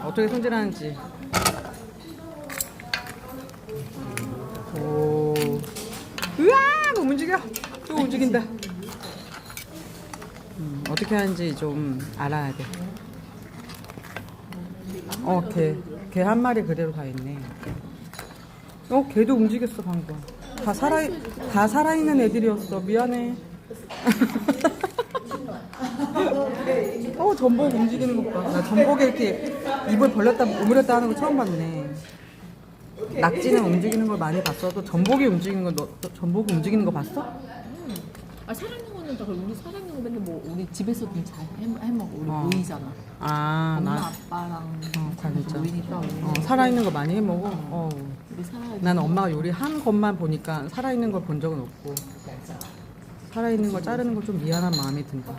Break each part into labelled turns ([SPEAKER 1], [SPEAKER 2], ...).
[SPEAKER 1] 어떻게 손질하는지. 오, 으아, 움직여. 또 움직인다. 어떻게 하는지 좀 알아야 돼. 개 한 마리 그대로 다 있네. 개도 움직였어 방금. 다 살아있는 애들이었어. 미안해. 전복 움직이는 것 봐. 나 전복에 이렇게 입을 벌렸다 오므렸다 하는 거 처음 봤네. 낙지는 움직이는 걸 많이 봤어도 전복이 움직이는 거, 전복이 움직이는 거 봤어?
[SPEAKER 2] 살아있는 거는 다 우리 살아있는 거 맨날 뭐 우리 집에서도 잘 해먹어. 우리 모이잖아. 엄마 아빠랑
[SPEAKER 1] 진짜.
[SPEAKER 2] 모이니까
[SPEAKER 1] 살아있는 거 많이 해먹어.
[SPEAKER 2] 우리
[SPEAKER 1] 나는 엄마가 요리한 것만 보니까 살아있는 걸 본 적은 없고, 살아있는 걸 자르는 거 좀 미안한 마음이 든다.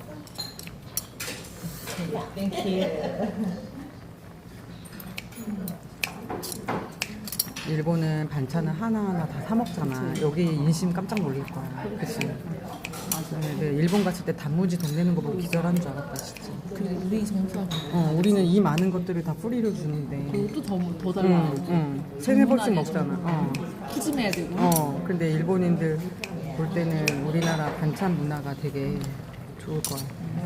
[SPEAKER 1] 일본은 반찬을 하나하나 다 사 먹잖아. 여기 인심 깜짝 놀릴 거야. 그치? 맞아. 네, 일본 갔을 때 단무지 돈 내는 거 보고 기절하는 줄 알았다, 진짜.
[SPEAKER 2] 그래, 우리 정서.
[SPEAKER 1] 우리는 이 많은 것들을 다 뿌리를 주는데.
[SPEAKER 2] 그것도 더 달라.
[SPEAKER 1] 세네 벌씩 먹잖아.
[SPEAKER 2] 푸짐해야 되고.
[SPEAKER 1] 근데 일본인들 볼 때는 우리나라 반찬 문화가 되게 좋을 거야.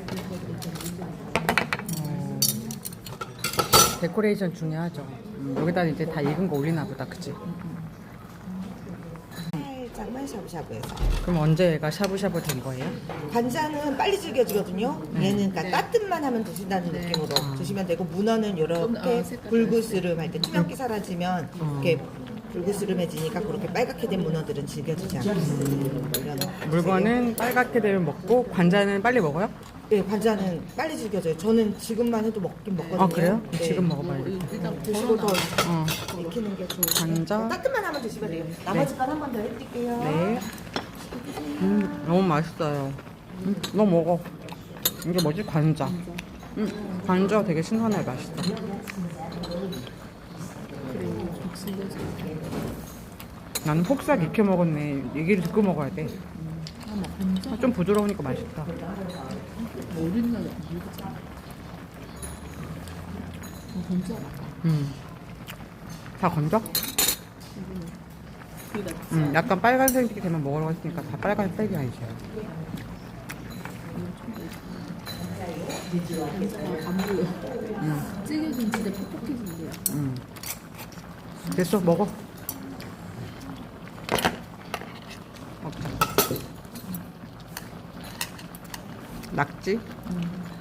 [SPEAKER 1] 데코레이션 중요하죠. 여기다 이제 다 익은 거 올리나 보다, 그치?
[SPEAKER 3] 살짝만 샤브샤브해서.
[SPEAKER 1] 그럼 언제 얘가 샤브샤브 된 거예요?
[SPEAKER 3] 관자는 빨리 질겨지거든요. 얘는 그러니까 따뜻만 하면 드신다는 느낌으로 드시면 되고, 문어는 이렇게 불그스름 할 때 투명기 사라지면 이렇게 불그스름해지니까 그렇게 빨갛게 된 문어들은 질겨지지 않습니다.
[SPEAKER 1] 물건은 빨갛게 되면 먹고 관자는 빨리 먹어요?
[SPEAKER 3] 네, 관자는 빨리 질겨져요. 저는 지금만 해도 먹긴 먹거든요.
[SPEAKER 1] 그래요?
[SPEAKER 3] 네.
[SPEAKER 1] 지금 먹어봐야겠다.
[SPEAKER 2] 일단
[SPEAKER 3] 드시고 더
[SPEAKER 2] 덜어놔.
[SPEAKER 3] 익히는 게 좋아요.
[SPEAKER 1] 관자.
[SPEAKER 3] 따뜻만 하면 드시면 돼요. 나머지 건 한 번 더 해드릴게요.
[SPEAKER 1] 네. 너무 맛있어요. 너 먹어. 이게 뭐지? 관자. 관자 되게 신선해, 맛있다. 나는 폭삭 익혀 먹었네. 얘기를 듣고 먹어야 돼. 좀 부드러우니까 맛있다.
[SPEAKER 2] 어린 날에 먹었잖아. 건져.
[SPEAKER 1] 다 건져? 약간 빨간색이 되면 먹으라고 했으니까 다 빨간색이 아니죠.
[SPEAKER 2] 안 보여. 찌개는 진짜 퍽퍽해진대요.
[SPEAKER 1] 됐어, 먹어. 먹자. 낙지?